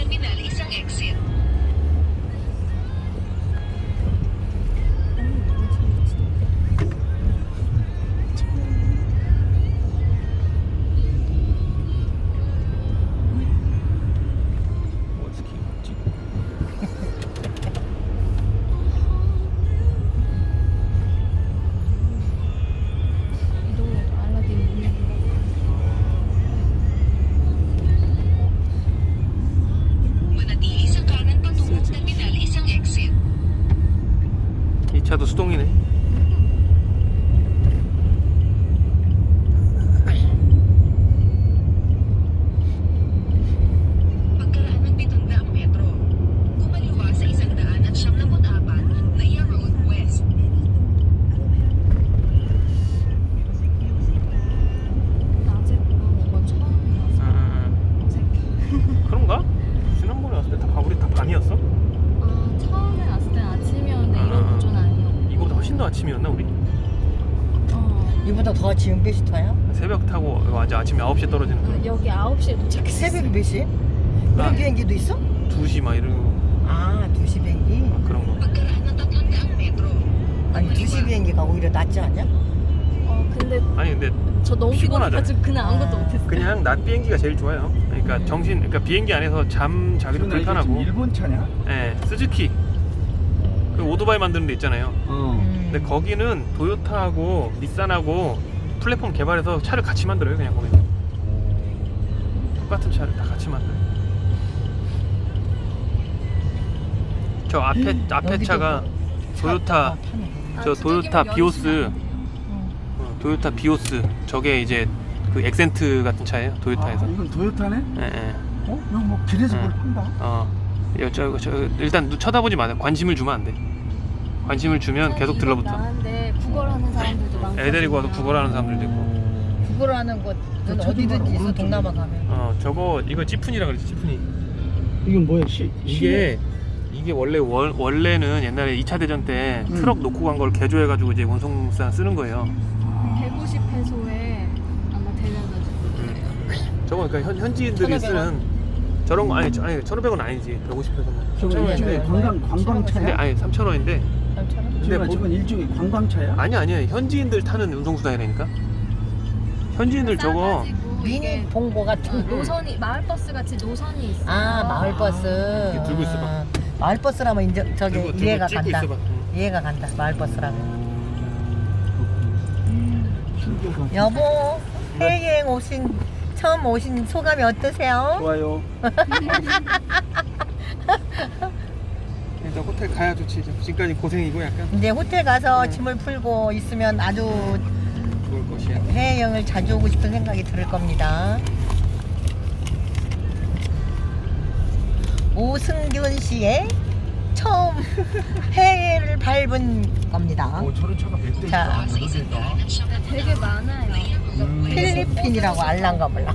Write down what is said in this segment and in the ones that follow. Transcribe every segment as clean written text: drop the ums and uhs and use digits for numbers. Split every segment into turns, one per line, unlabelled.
terminal isang exit. Manatili sa kanan patungong terminal isang exit.
이 차도 수동이네.
Pagkaraan ng 700 metro, kumaliwa sa 174 na Iya Road West.
낮에 보는 건 처음이라서 어색해.
그런가? 지난번에 왔을 때 다 우리 다 밤이었어?
아, 처음에 왔을 땐 아침이었는데 이런 구조는 아니었고.
이거보다 훨씬 더 아침이었나 우리?
이보다 더 지금 몇 시 타야?
새벽 타고 완전 아침 9시에 떨어지는 거.
여기 9시에 도착했어.
새벽 몇 시? 그런
아.
비행기도 있어?
2시 막 이러고
아 2시 비행기?
그런 거.
Pagkaraan ng 300 metro,
아니 2시 비행기가 오히려 낫지 않냐?
근데
아니 근데
저 너무
피곤하죠.
피곤해가지고 그냥 아무것도
아.
못했어요.
그냥 낮 비행기가 제일 좋아요. 그러니까 그러니까 비행기 안에서 잠 자기도 불편하고.
일본 차냐?
예, 스즈키. 그 오토바이 만드는 데 있잖아요. 근데 거기는 도요타하고 닛산하고 플랫폼 개발해서 차를 같이 만들어요. 그냥 거기 똑같은 차를 다 같이 만들어요. 저 앞에
여기도
차가 도요타
타네.
저 도요타 비오스 도요타 비오스 저게 이제 그 엑센트 같은 차예요. 도요타에서.
아, 이건 도요타네?
예, 예.
어? 이거 뭐 길에서
응.
뭘 판다?
저 일단 쳐다보지 마세요. 관심을 주면 안 돼. 관심을 주면 계속 들러붙어.
나는데 구걸하는 사람들도 많고.
애 데리고 와서 구걸하는 사람들도 있고.
구걸하는 곳은 어디든지 있어. 동남아 가면.
저거 이거 찌푼이라 그러지. 찌푼이.
이건 뭐야?
이게 원래는 옛날에 2차 대전 때 트럭 놓고 간 걸 개조해가지고 이제 운송사 쓰는 거예요.
150회소에 아마 데려다 줄 거예요.
저거 그러니까 현지인들이
1,500원.
쓰는 저런 거 아니 1,500원 아니지. 150회소면.
저거 일종의
3,000원인데.
관광차야?
근데 아니 3,000원인데.
3,000원?
근데
저건 일종의 관광차야?
아니야. 현지인들 타는 운송수단이라니까. 현지인들 저거
미니 봉고 같은 거.
노선이 마을버스 같이 노선이 있어.
아 마을버스.
이렇게 들고 있어봐.
마을버스라면 인정 저기
들고
이해가
찍고
간다.
있어봐.
이해가 간다. 마을버스라면.
신기하다.
여보 해외여행 처음 오신 소감이 어떠세요?
좋아요.
일단 호텔 가야 좋지. 지금까지 고생이고 약간
이제 호텔 가서 짐을 풀고 있으면 아주
좋을 것이야.
해외여행을 자주 오고 싶은 생각이 들 겁니다. 오승균 씨의 처음 해외를 밟은 겁니다.
저런 차가 몇 대
자.
있다. 여러 대 있다.
되게 많아요.
필리핀이라고 알란가 몰라.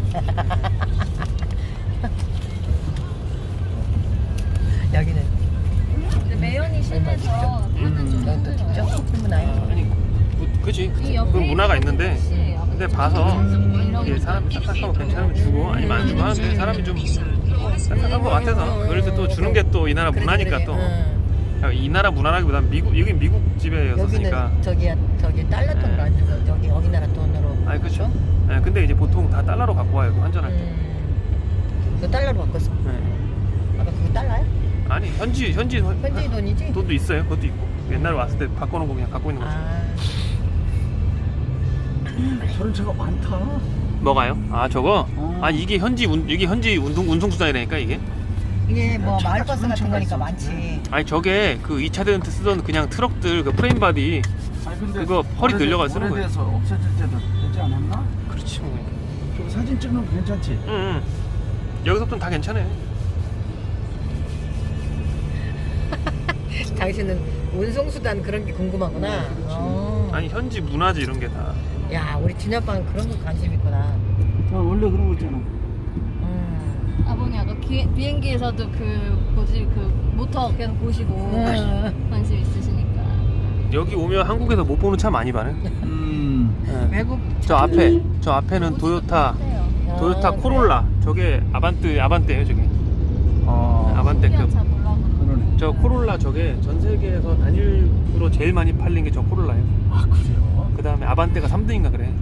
여기는
근데 매연이 실내서 타는 좀
여기 또
힘들어요.
직접 주문해요.
아니 그치.
이 옆에
그건 문화가
있는
있는데
곳이
근데 봐서
이런
이게 사람이 딱딱하고 괜찮으면 주고 아니면 안 주고 하는데 사람이 좀 딱딱한 것 같아서 그럴 때 또 주는 게 또 이 나라 문화니까 또 이 나라 문화라기보단 여긴 미국 집에였으니까.
여기는 저기 달러 돈으로 안 주고 여기 나라 돈으로.
아니 그렇죠. 네, 근데 이제 보통 다 달러로 갖고 와요. 환전할 때.
너 달러로 바꿨어?
네.
아까 그게 달러야?
아니 현지
돈이지?
돈도 있어요. 그것도 있고 옛날에 왔을 때 바꿔놓고 그냥 갖고 있는 거죠.
저런 차가 많다.
뭐가요? 아 저거?
어.
이게 현지 운송수단이라니까 이게?
이게 뭐
차가
마을버스
저런
같은
차가
거니까
있었는데.
많지.
아니 저게 그 2차 대전 때 쓰던 그냥 트럭들 그 프레임 바디
아니, 근데
그거 허리 늘려가 쓰는 거예요.
오래돼서 없어질 때도 되지 않았나?
그렇지 뭐.
저거 사진 찍으면 괜찮지?
응. 여기서부터는 다 괜찮아요.
당신은 운송수단 그런 게 궁금하구나.
아니 현지 문화지 이런 게 다.
야 우리 진아빠는 그런 거 관심 있구나.
원래 그런 거 있잖아.
아버님 아까 비행기에서도 그 모터 계속 보시고 관심 있으시니까.
여기 오면 한국에서 못 보는 차 많이 봐요. 네.
외국
저 앞에는 도요타
어때요?
코롤라. 저게 아반떼예요 저게. 저 코롤라 저게 전 세계에서 단일으로 제일 많이 팔린 게 저 코롤라예요.
아 그래요?
그 다음에 아반떼가 3등인가 그래.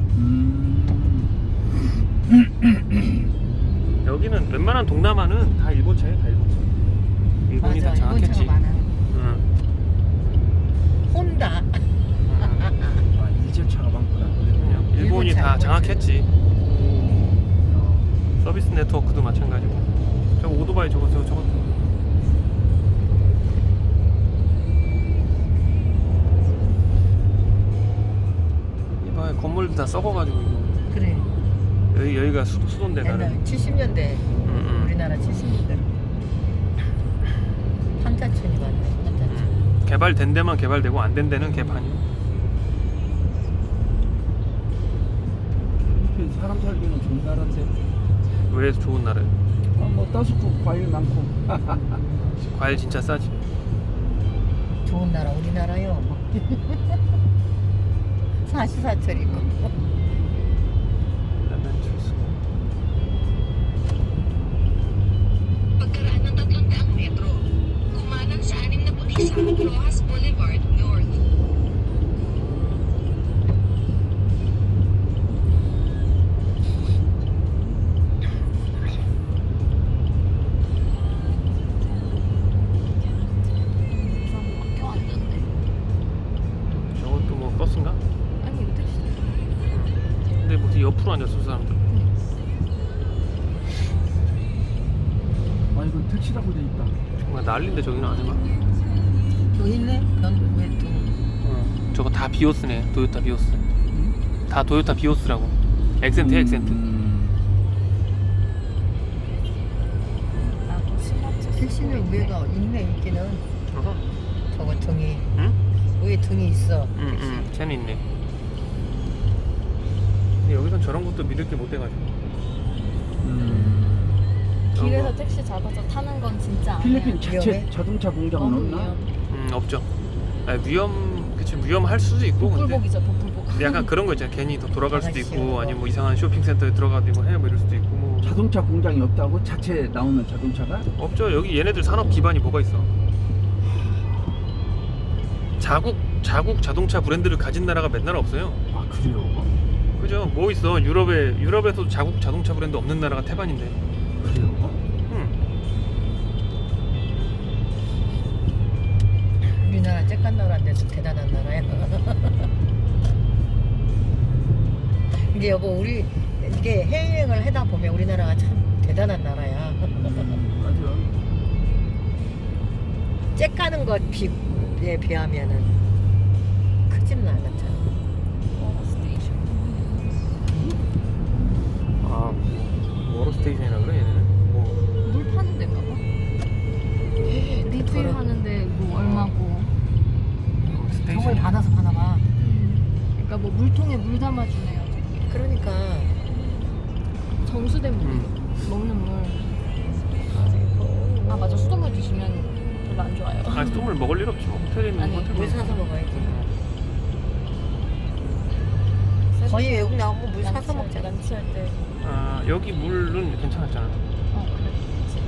여기는 웬만한 동남아는 다 일본 차예요, 다 일본 차. 일본이
맞아,
다 장악했지.
일본 차가 많아.
응.
혼다.
아 이제차가 많구나.
일본이
일본 차,
다
일본 차.
장악했지. 서비스 네트워크도 마찬가지고. 저거 오토바이 저거. 이봐 건물도 다 썩어가지고 이거.
그래.
여기가 수도인데
옛날
나는.
70년대
응.
우리나라 70년대 판자촌이 많네. 판자촌.
개발된 데만 개발되고 안 된 데는 개판이요.
필리핀 사람 살기는 좋은 나라인데.
왜 좋은 나라예요?
뭐 따숩고 과일 많고.
과일 진짜 싸지.
좋은 나라 우리나라요. 사시사철이고.
Pagkaraan ng 300 metro, kumanan sa 61 Rojas Boulevard North.
학교 왔는데.
저것도 뭐 버스인가?
아니 이거 택시.
근데 무슨 옆으로 앉았어 사람들.
아 이건 택시라고 돼 있다.
정말 난리인데 저기는 안 해봐.
여기 있네. 변왜
저거 다 비오스네. 도요타 비오스. 다 도요타 비오스라고. 엑센트.
나도 스마트.
택시는 위에가 있네 있기는.
어허.
저거 등이
응?
위에 등이 있어.
응. 쟤는 있네. 근데 여기선 저런 것도 믿을 게 못 돼가지고.
길에서 택시 잡아서 타는 건 진짜 안
필리핀
해요.
자체
위험해?
자동차 공장은
너무
없나?
위험.
없죠. 위험할 수도 있고. 근데
복불복이죠 복불복.
근데 약간 그런 거 있잖아. 괜히 더 돌아갈 수도 있고,
아가씨요.
아니면 뭐 이상한 쇼핑센터에 들어가도 뭐 해, 뭐 이럴 수도 있고, 뭐.
자동차 공장이 없다고? 자체 나오는 자동차가?
없죠. 여기 얘네들 산업 기반이 뭐가 있어? 자국 자동차 브랜드를 가진 나라가 몇 나라 없어요.
아 그래요?
그죠? 뭐 있어? 유럽에도 자국 자동차 브랜드 없는 나라가 태반인데.
그래요?
우리나라 쬐깐 나라인데도 대단한 나라야. 근데 여보 우리 이게 해외여행을 하다 보면 우리나라가 참 대단한 나라야.
맞아.
쬐까는 것에 비하면은 크지는 않았잖아.
스테이션.
아, 워러 스테이션이라 그래 얘네는? 뭐.
물 파는 데인가 봐. 리필 하는데 뭐 얼마고.
스테이션.
정말 받아서 파나 봐.
그러니까 뭐 물통에 물 담아주네요.
그러니까
정수된 물. 먹는 물. 아 맞아 수돗물 드시면 별로 안 좋아요.
아, 수돗물 먹을 일 없지 뭐. 호텔에 있는
아니,
호텔
물
물.
사서 먹어야지. 거의 외국 나오면 물 사서 먹잖아.
란치할 때.
아, 여기 물은 괜찮았잖아.
그래. 그치.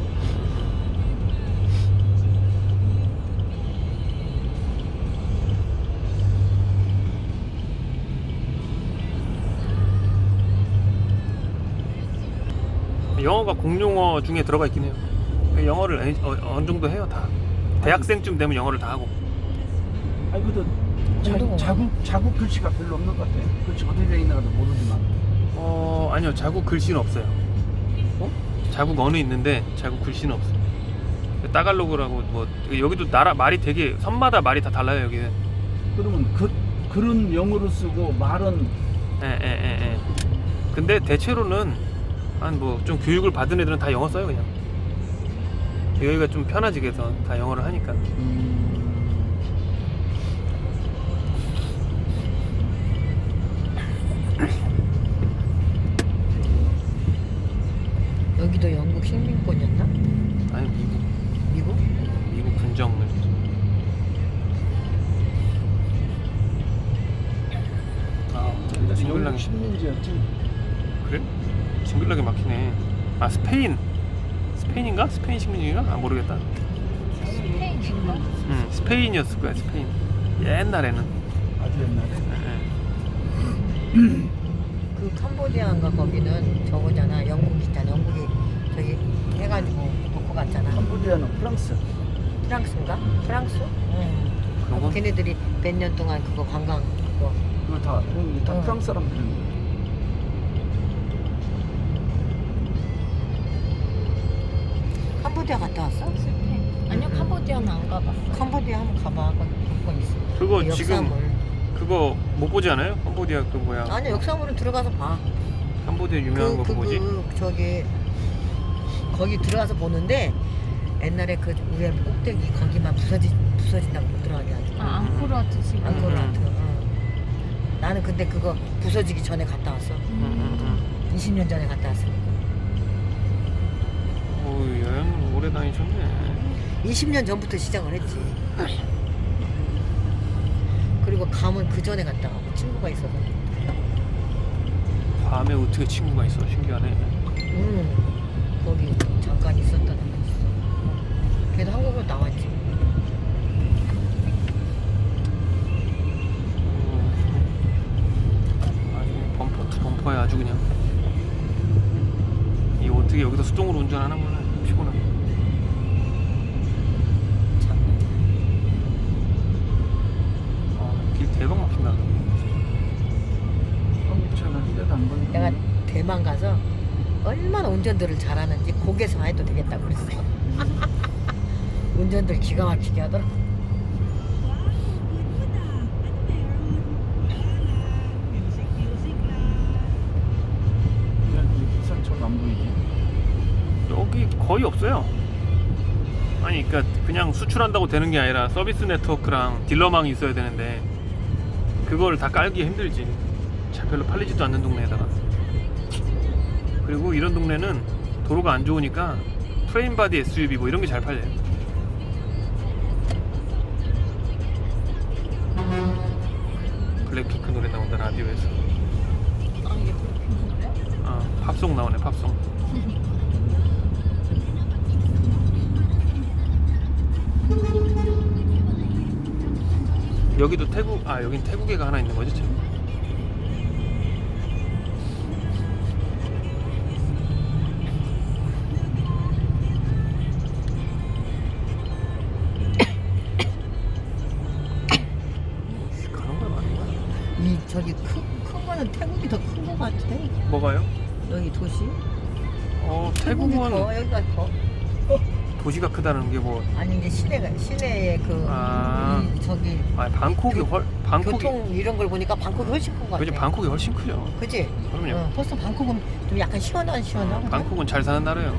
영어가 공용어 중에 들어가 있긴 해요. 영어를 어느 정도 해요 다. 대학생쯤 되면 영어를 다 하고.
아니 그래도
정도가
자국 글씨가 별로 없는 것 같아. 글씨 어떻게 돼 있나 도 모르지만.
아니요, 자국 글씨는 없어요. 자국 언어 있는데 자국 글씨는 없어요. 따갈로그라고 뭐 여기도 나라 말이 되게 섬마다 말이 다 달라요 여기는.
그러면 글은 영어로 쓰고 말은
예. 근데 대체로는 한 뭐 좀 교육을 받은 애들은 다 영어 써요 그냥. 여기가 좀 편하지 그래서 다 영어를 하니까.
여기도 영국 식민권이었나?
아니
미국?
미국 군정을. 징글랑이.
식민지였지.
그래? 징글하게 막히네. 아 스페인인가? 스페인 식민지인가? 아 모르겠다.
스페인인가?
응, 스페인이었을 거야, 스페인. 옛날에는.
아주 옛날에.
예,
그 캄보디아인가 거기는 저거잖아. 영국 있잖아. 영국이 저기 해가지고 놓고 갔잖아.
캄보디아는 프랑스.
프랑스인가? 프랑스? 응.
그런 건
걔네들이 몇 년 동안 그거 관광 그거.
그거 다
어.
프랑스 사람들인
캄보디아 갔다 왔어?
스페인. 아니요, 캄보디아는 안 가봤어.
캄보디아 한번 가봐. 거기 볼 거 있어.
그거
그
지금
역사물.
그거 못 보지 않아요? 캄보디아 그 뭐야?
아니 역사물은 들어가서 봐.
캄보디아 유명한 거 뭐지?
저기 거기 들어가서 보는데 옛날에 그 위에 꼭대기 거기만 부서진다고 못 들어가게 하지.
아, 앙코르와트 지금.
앙코르와트. 나는 근데 그거 부서지기 전에 갔다 왔어. 20년 전에 갔다 왔으니까.
오, 여행 오래 다니셨네.
20년 전부터 시작을 했지. 그리고 감은 그 전에 갔다 가고 친구가 있어서.
밤에 어떻게 친구가 있어? 신기하네.
거기 잠깐 있었던 애가 있어. 걔도 한국으로 나왔지.
아주 범퍼 투 범퍼야 아주 그냥. 이 어떻게 여기서 수동으로 운전하는 거는 피곤해. 길 대박 막힌다.
한국 차는 한 대도 안 걸리고.
내가 대만 가서 얼마나 운전들을 잘하는지 거기서 해도 되겠다고 그랬어. 운전들 기가 막히게 하더라.
여기 부산차가 안 보이지.
여기 거의 없어요. 아니 그러니까 그냥 수출한다고 되는 게 아니라 서비스 네트워크랑 딜러망이 있어야 되는데 그걸 다 깔기 힘들지. 차 별로 팔리지도 않는 동네에다가. 그리고 이런 동네는 도로가 안 좋으니까 프레임 바디 SUV 뭐 이런 게 잘 팔려요. 블랙핑크 노래 나온다 라디오에서.
아, 이게 그렇게
팝송 나오네 팝송. 여기도 태국 여긴 태국애가 하나 있는 거지 지금. 가는 거야 많은 거야.
이 저기 큰 거는 태국이 더 큰 거 같아.
뭐가요?
여기 도시?
태국은
커. 여기가 커.
도시가 크다는 게 뭐?
아니 이제 시내에 그 저기
방콕이 방콕이
교통 이런 걸 보니까 방콕이 훨씬 큰 거 같아.
그지 방콕이 훨씬 크죠.
그지?
그럼요.
벌써 방콕은 좀 약간 시원하고.
방콕은 잘 사는 나라예요.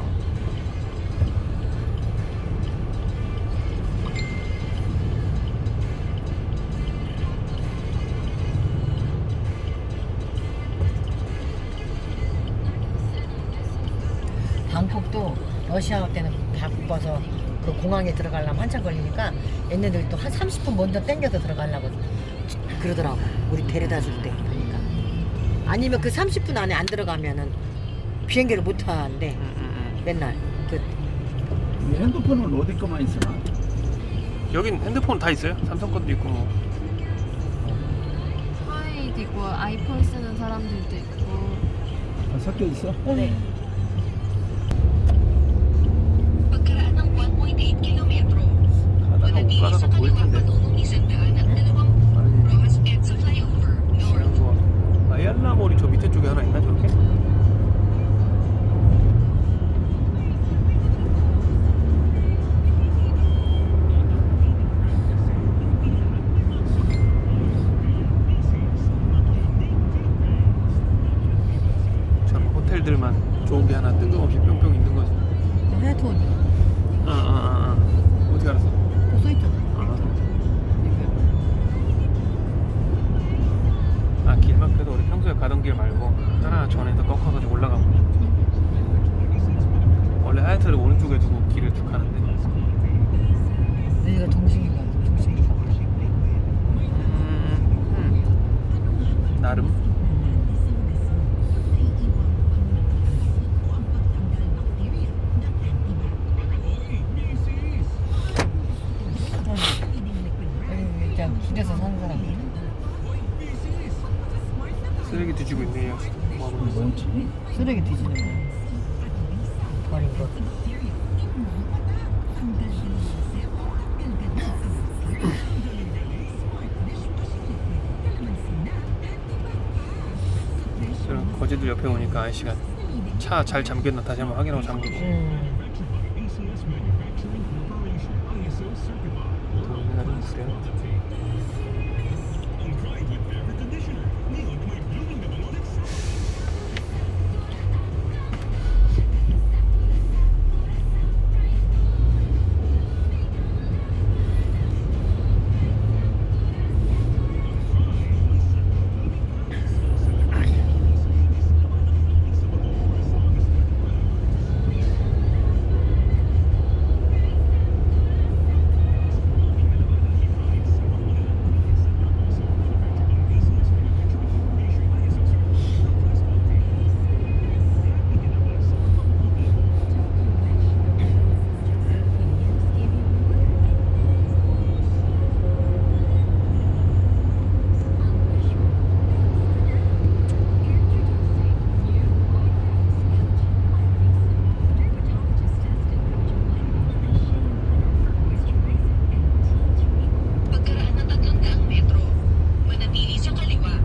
방콕도 러시아 때는 바빠서 그 공항에 들어가려면 한참 걸리니까 얘네들도 한 30분 먼저 땡겨서 들어가려고 그러더라고. 우리 데려다 줄 때. 그러니까. 아니면 그 30분 안에 안 들어가면은 비행기를 못 타는데 맨날 그
이 핸드폰은 어디 거만 있으나?
여긴 핸드폰 다 있어요. 삼성 것도 있고 뭐.
화웨이도 있고, 아이폰 쓰는 사람들도 있고.
다 섞여 있어?
네.
Pagkaraan ng 1.8 kilometro,
가다가 못
manatili
가다가
sa
보일
kaliwang
텐데.
patungong 120 Rojas EDSA flyover north.
아얄라몰이 저 밑에 쪽에 하나 있나 저렇게? 저런 호텔들만 쓰레기 뒤지고 있네요. 뭐 하고 있는 거야?
뭔지.
쓰레기 뒤지는 거야. 버린 거.
그럼 거제도 옆에 오니까 아저씨가 차 잘 잠겼나 다시 한번 확인하고 잠그고. 동네가 좀 구려.
Pagkaraan ng 300 metro, manatili sa kaliwa.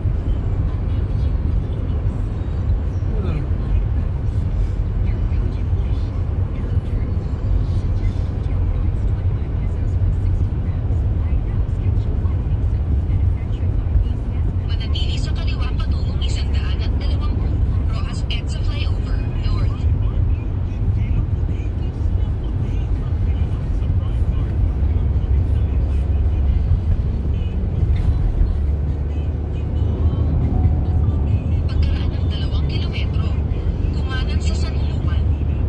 Manatili sa kaliwa patungong 120 Rojas EDSA Flyover North. Pagkaraan ng 2 kilometro, kumanan sa San Juan.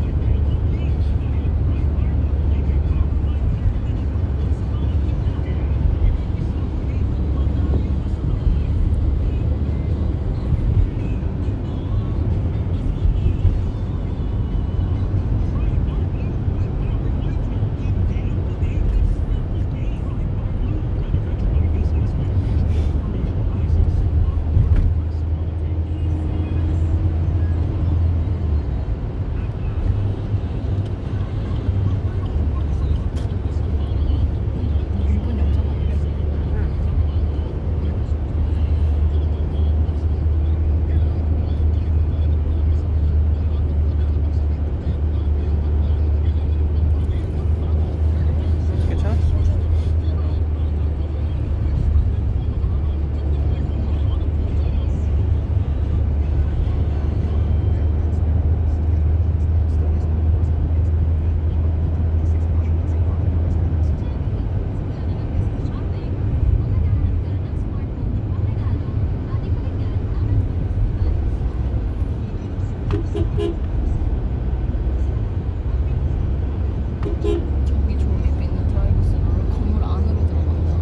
일본 영상 아니야?
괜찮아?
저기 조립 있는 드라이브스루를 건물 안으로 들어간다.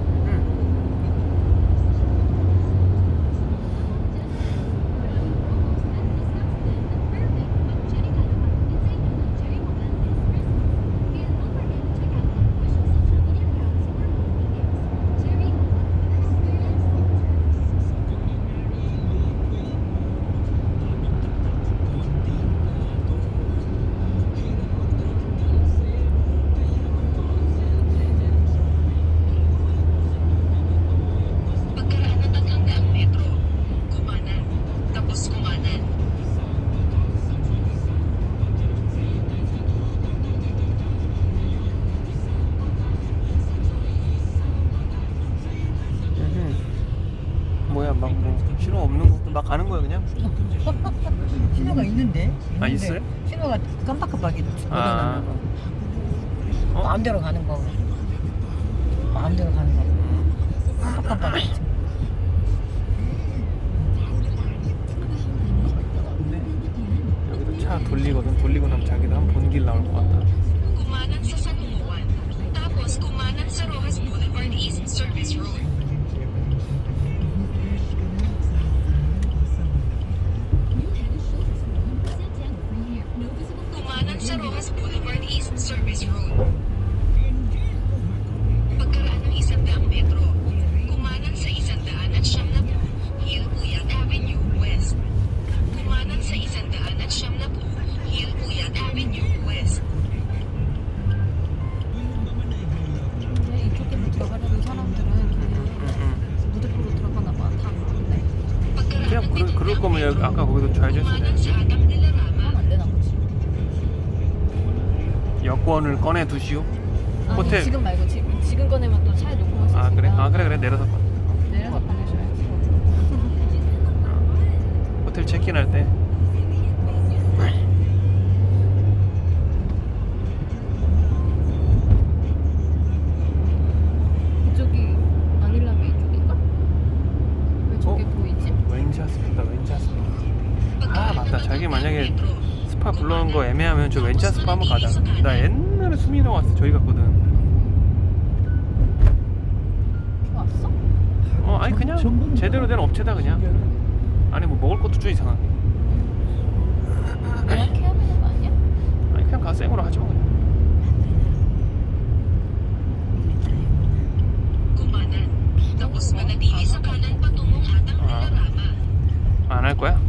Pagkaraan ng 300 metro, kumanan, tapos kumanan.
뭐야 막 뭐 신호 없는 것도 막 가는 거야 그냥?
신호가 있는데?
아, 있어요?
신호가 깜빡깜빡이
아.
보여놨나 봐.
어?
마음대로 가는 거. 마음대로 가는 거. 깜빡깜빡.
여기도 차 돌리거든. 돌리고 나면 자기도 한 본 길 나올 것 같다.
Kumanan sa San Juan, tapos kumanan sa Rojas Boulevard East Service Road. Kumanan sa Rojas Boulevard East Service Road. Pagkaraan ng 100 metro, kumanan sa 100 at 70 Hilpuyat Avenue.
줄 거면 여기 아까 거기도 좌회전 했으면
sa Atang de la Rama.
하면 안 되나 보지.
돼. 여권을 꺼내 두시오.
아니
호텔.
지금 말고 지금 꺼내면 또 차에 놓고 갈 수 있으니까.
아 그래? 아 그래 내려서 봐.
내려서 꺼내셔야지.
호텔 체크인할 때.
이쪽이 마닐라베이 쪽인가? 왜 저게 보이지?
왠지 하스피다 왠지 하스피. 아 맞다. 자기 만약에 스파 불러온 거 애매하면 저 왠지 스파 한번 가자. 나 옛날에 수민이랑 왔을 때 저기 갔거든.
왔어?
아니 그냥 제대로 된 업체다 그냥. 아니 뭐 먹을 것도 좀 이상하게.
예약해야 되는 거 아니야?
아니 그냥 가 생으로 하지 뭐.
Kumanan. Tapos manatili sa kanan patungong Atang de la Rama.
안 할 거야?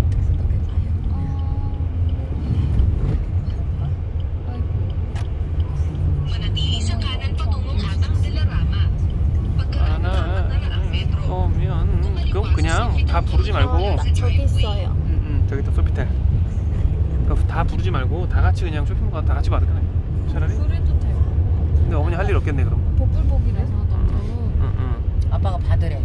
Manatili sa kanan patungong Atang de la Rama. Pagkaraan ng
안
4나 ang metro.
오면 그럼 그냥 다 부르지 말고.
저기 있어요.
저기 또 소피텔. 그거 다 부르지 말고 다 같이 그냥 쇼핑 가다 같이 받을까? 차라리.
그래도 되고.
근데 어머니 할 일 없겠네 그럼.
복불복이라서 너무
아빠가 받으래.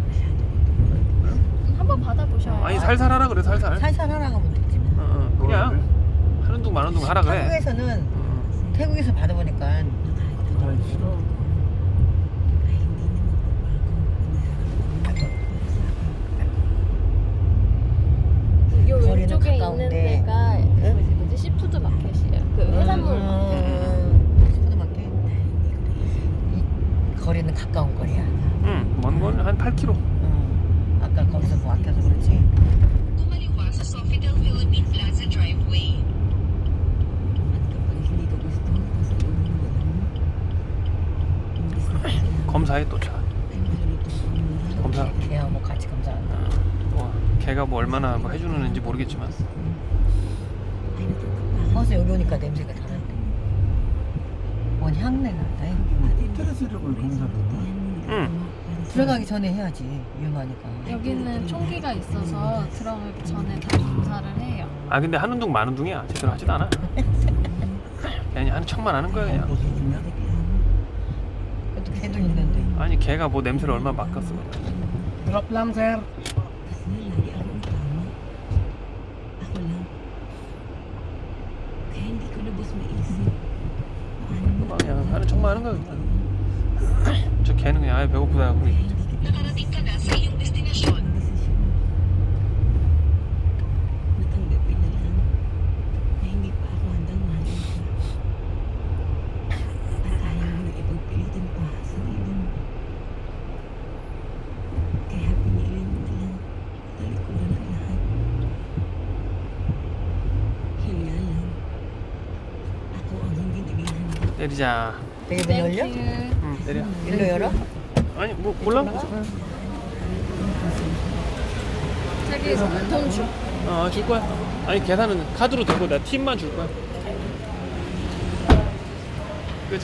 한번 받아보셔요.
아니 살살 하라 그래 살살.
살살 하라고 하면 되지.
그냥 하는 둥 마는 둥 하라 그래.
태국에서는 태국에서 받아보니까
날 싫어.
요
거리는
왼쪽에 있는
가까운데.
데가 뭐지 시푸드 마켓이에요. 그 해산물 마켓.
푸드마켓. 이 거리는 가까운 거리야.
먼 건 한 8km.
아까 거기서 뭐 아껴서 그렇지.
Kumaliwa sa Sofitel Philippine Plaza Driveway.
검사에 또 차. 검사.
걔하고 뭐 같이 검사한다.
뭐 걔가 뭐 얼마나 뭐 해주는지 모르겠지만.
벌써 여기 오니까 냄새가 다른데. 뭔 향내 난다.
스트레스력을 검사를 해.
들어가기 전에 해야지 위험하니까.
여기는 총기가 있어서 들어가기 전에 다 검사를 해요.
아 근데 하는 둥 마는 둥이야. 제대로 하지도 않아. 그냥 하는 척만 하는 거야 그냥.
보수중이야?
그것도 걔도 있는데.
아니 걔가 뭐 냄새를 얼마나 맡겼어.
Drop lang, sir.
그냥 하는 척만 하는 거야 그냥. 저 걔는 그냥 아예 배고프다 하고 있지.
Nakarating ka na sa iyong destinasyon.
Natanggapin na lang na hindi pa ako handang mahalin ka. At ayaw mo na ipagpilitan pa sa ibon. Kaya pinili mo na lang talikuran ang lahat. Yun nga lang. Ako ang hindi naging handa.
때리자.
되게 문 열려?
응 때려.
일로 열어?
아니 뭐 몰라?
자기 돈 줘.
줄 거야. 아니 계산은 카드로 되고 내가 팁만 줄 거야.